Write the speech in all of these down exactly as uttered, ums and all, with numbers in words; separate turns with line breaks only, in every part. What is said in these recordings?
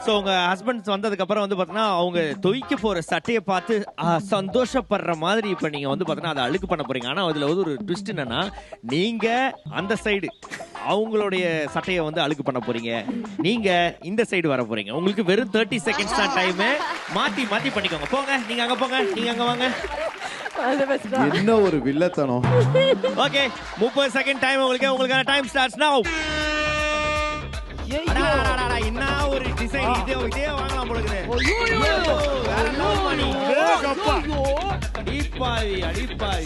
So உங்க husbands வந்ததுக்கு அப்புறம் வந்து பாத்தீங்கன்னா அவங்க துவைக்க போற சட்டையை பார்த்து ஆஹ், சந்தோஷப்படுற மாதிரி இப்ப நீங்க வந்து பாத்தீங்கன்னா அதை அழுக்கு பண்ண போறீங்க. ஆனா அதுல வந்து ஒரு ட்விஸ்ட் என்னன்னா நீங்க அந்த சைடு அவங்களுடைய சட்டையை வந்து அழுக்கு பண்ண போறீங்க, நீங்க இந்த சைடு வர போறீங்க. உங்களுக்கு வெறும் தேர்ட்டி செகண்ட்ஸ் தான் டைம். மாத்தி மாத்தி பண்ணிக்கோங்க. போங்க, நீங்க அங்க போங்க, நீங்க அங்க வாங்க.
என்ன ஒரு வில்லத்தனம்.
ஓகே, முப்பது செகண்ட் டைம் உங்களுக்கு. உங்களுக்கான டைம் ஸ்டார்ட்ஸ் நவ. என்ன ஒரு டிசைன் இதே இதே வாங்கலாம் போல இருக்குது. வேற என்ன பண்ணி அடிப்பாவி அடிப்பாவி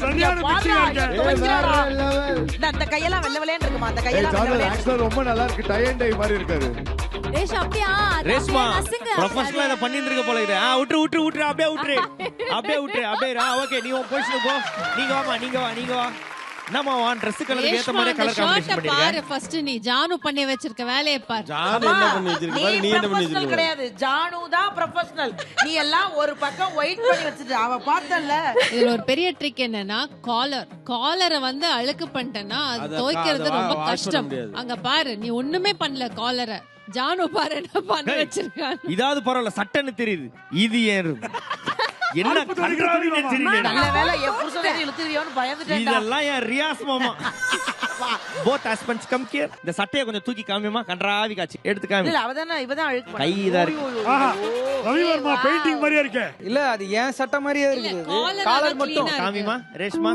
அந்த கையெல்லாம் வெள்ள வெள்ளேன்னு இருக்குமா? அந்த
ஏய்
கையெல்லாம்
சார் ஆக்சுவலா ரொம்ப நல்லா இருக்கு. டை அண்ட் டை மாதிரி இருக்காரு.
ரேஷ் அப்படியே
ரேஷ்மா ப்ரொஃபஷனலா இத பண்ணிட்டு இருக்க போல இது. ஆ விட்டு விட்டு விட்டு அப்படியே விட்டு அப்படியே விட்டு அப்படியே ரா. ஓகே, நீ உன் பொசிஷன் போ. நீங்க வாமா, நீங்க வா, நீங்க வா. நம்ம வா ட்ரெஸ் கலருக்கு ஏத்த மாதிரி கலர் காம்பினேஷன் பண்ணிருக்க.
பாரு ஃபர்ஸ்ட் நீ ஜானு பண்ணி வச்சிருக்க வேலைய பாரு.
ஜானு என்ன பண்ணி வச்சிருக்க பாரு. நீ என்ன பண்ணி வச்சிருக்க
கிடையாது, ஜானு தான் ப்ரொபஷனல். நீ எல்லாம் ஒரு பக்கம் வெயிட் பண்ணி வச்சிட்டு அவ பார்த்தல்ல.
இதுல ஒரு பெரிய ட்ரிக் என்னன்னா காலர் காலரை வந்து அழுக்கு பண்ணிட்டேன்னா அது துவைக்கிறது ரொம்ப கஷ்டம். அங்க பாரு நீ ஒண்ணுமே பண்ணல காலரை. ஜானு பாரு என்ன பண்ணி வச்சிருக்கான்.
இதாவது பரவாயில்ல, சட்டன்னு தெரியுது. இது ஏன் என்ன கண்ட்ரோல்னே தெரியல.
நல்ல வேளை என் புருஷனை இழுத்துறியோன்னு பயந்துட்டேன்டா.
இதெல்லாம் ஏன் ரியாஸ் மாமா. Both husbands come here. இந்த சட்டையை கொஞ்சம் தூக்கி காமிமா. கன்றாவி காட்சி எடுத்து காமி.
இல்ல அவதானே இவதான் அழுக்கு பண்ணா.
கை இதா இருக்கு.
ரவி வர்மா பெயிண்டிங் மாதிரியே இருக்கு.
இல்ல அது ஏன் சட்டை மாதிரியே இருக்குது. காலர் மட்டும்
காமிமா. ரேஷ்மா.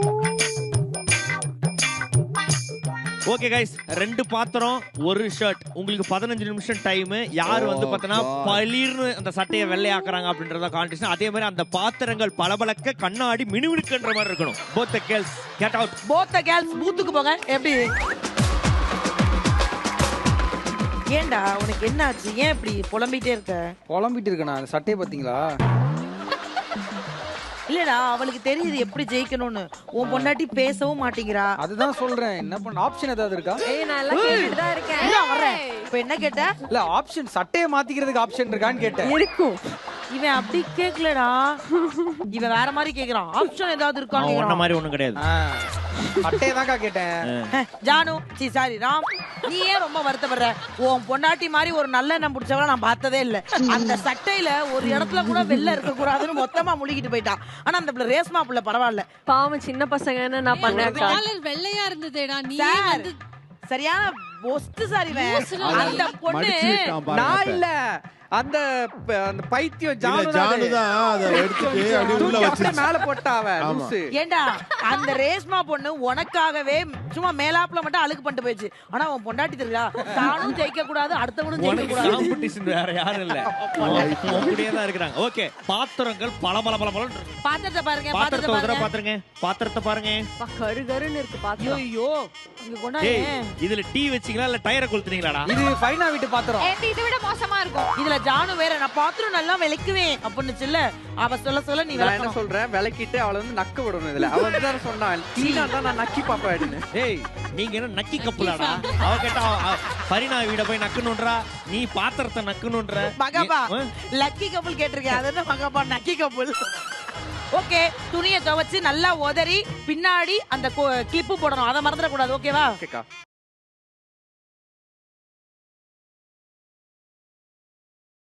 ஓகே கைஸ், ரெண்டு பாத்திரம் ஒரு ஷர்ட். உங்களுக்கு பதினஞ்சு நிமிஷம் டைம். யார் வந்து பார்த்தனா பளிர்னு அந்த சட்டையை வெள்ளையாக்குறாங்க அப்படின்றத காம்படிஷன். அதே மாதிரி அந்த பாத்திரங்கள் பளபளக்க கண்ணாடி மினுமினுக்குன்ற மாதிரி இருக்கணும். both the girls get out.
both the girls பூத்துக்கு போங்க. எப்படி ஏண்டா உனக்கு என்ன ஆச்சு? ஏன் இப்படி புலம்பிட்டே இருக்க?
புலம்பிட்டு இருக்கேன். அந்த சட்டையை பாத்தீங்களா?
இல்லடா அவளுக்கு தெரியுது எப்படி ஜெயிக்கணும்னு. உன் பொண்டாட்டி பேசவும் மாட்டேங்கிறா.
அதுதான் சொல்றேன். என்ன பண்ண ஆப்ஷன் ஏதாவது இருக்கா?
ஏய் நான் எல்லாம் கேட்டுட்டு தான் இருக்கேன்.
இல்ல வரேன். இப்போ என்ன கேட்ட?
இல்ல ஆப்ஷன் சட்டையை மாத்திக்கிறதுக்கு ஆப்ஷன் இருக்கான்னு கேட்டேன்.
இருக்கும்.
இவன் அப்படி கேக்கலடா. இவன் வேற மாதிரி கேக்குறான். ஆப்ஷன் ஏதாவது இருக்கா
ஒண்ண
கேக்குறான்.
மாதிரி ஒண்ணும் கிடையாது.
சட்டையை தான்க்கா கேட்டேன்.
ஜானு சி சாரி ராம், நீ ஏன் ரொம்ப வருத்தப்படுற? உன் பொண்டாட்டி மாதிரி ஒரு நல்ல எண்ணம் பிடிச்சவள நான் பார்த்ததே இல்ல. அந்த சட்டையில ஒரு இடத்துல கூட வெள்ள இருக்க கூடாதுன்னு மொத்தமா முழுகிட்டு போயிட்டான். ஆனா அந்த பிள்ளை ரேஸ்மா பிள்ளை பரவாயில்ல.
பாவம் சின்ன பசங்கன்னு நான் பண்ணேன்.
காலர் வெள்ளையா இருந்ததேடா. நீ வந்து
சரியான ஒஸ்ட் சாரி அந்த பொண்ணு.
நான் இல்ல அந்த அந்த பைத்தியம் ஜானு
ஜானு தான் அத எடுத்துட்டு அப்படியே உள்ள வச்சு
மேல போட்டாவ லூசு.
ஏண்டா அந்த ரேஸ்மா பொண்ணு உனக்காகவே சும்மா மேலாப்ல மட்டும் அழுக்கு பண்ணிட்டு போயிடுச்சு. ஆனா உன் பொண்டாட்டி தெரியா தானும் ஜெயிக்க கூடாது, அடுத்தவனும் ஜெயிக்க கூடாது.
காம்படிஷன் வேற யாரும் இல்ல. அப்படியே தான் இருக்காங்க. ஓகே, பாத்திரங்கள் பளபள பளபள.
பாத்திரத்தை பாருங்க,
பாத்திரத்தை
பாத்திரத்தை
ஒரு தடவை
பாருங்க.
பாத்துருங்க. பாத்திரத்தை பாருங்க.
கரு கருன்னு இருக்கு பாத்திரம்.
ஐயோ இங்க கொண்டாங்க.
ஏய், இதுல டீ வச்சீங்களா இல்ல டயரை கொளுத்துனீங்களாடா?
இது ஃபைனா வீட்டு பாத்திரம்.
இதை விட மோசமா இருக்கும்.
இதுல ஜானு வேற நான் பாத்திரம் நல்லா விளக்குவேன் அப்படின்னு இல்ல. அவ சொல்ல சொல்ல நீ
நான் என்ன
விளக்கணும்.
சொல்றேன், விளக்கிட்டு அவளை வந்து நக்க விடணும். இதுல அவ வந்து தான் சொன்னான் டீனா தான் நான் நக்கி பாப்பேன்னு.
ஏய், நீங்க என்ன நக்கி கப்புலாடா? அவ கேட்டா பரிணா வீட போய் நக்கணும்ன்றா, நீ பாத்திரத்தை நக்கணும்ன்ற.
மகபா லக்கி கப்புள் கேட்டிருக்கேன். அது என்ன மகபா நக்கி கப்புள்? ஓகே, துணியை துவைச்சு நல்லா உதறி பின்னாடி அந்த கிளிப்பு போடணும். அதை மறந்துடக்கூடாது. ஓகேவா?
ஓகேக்கா.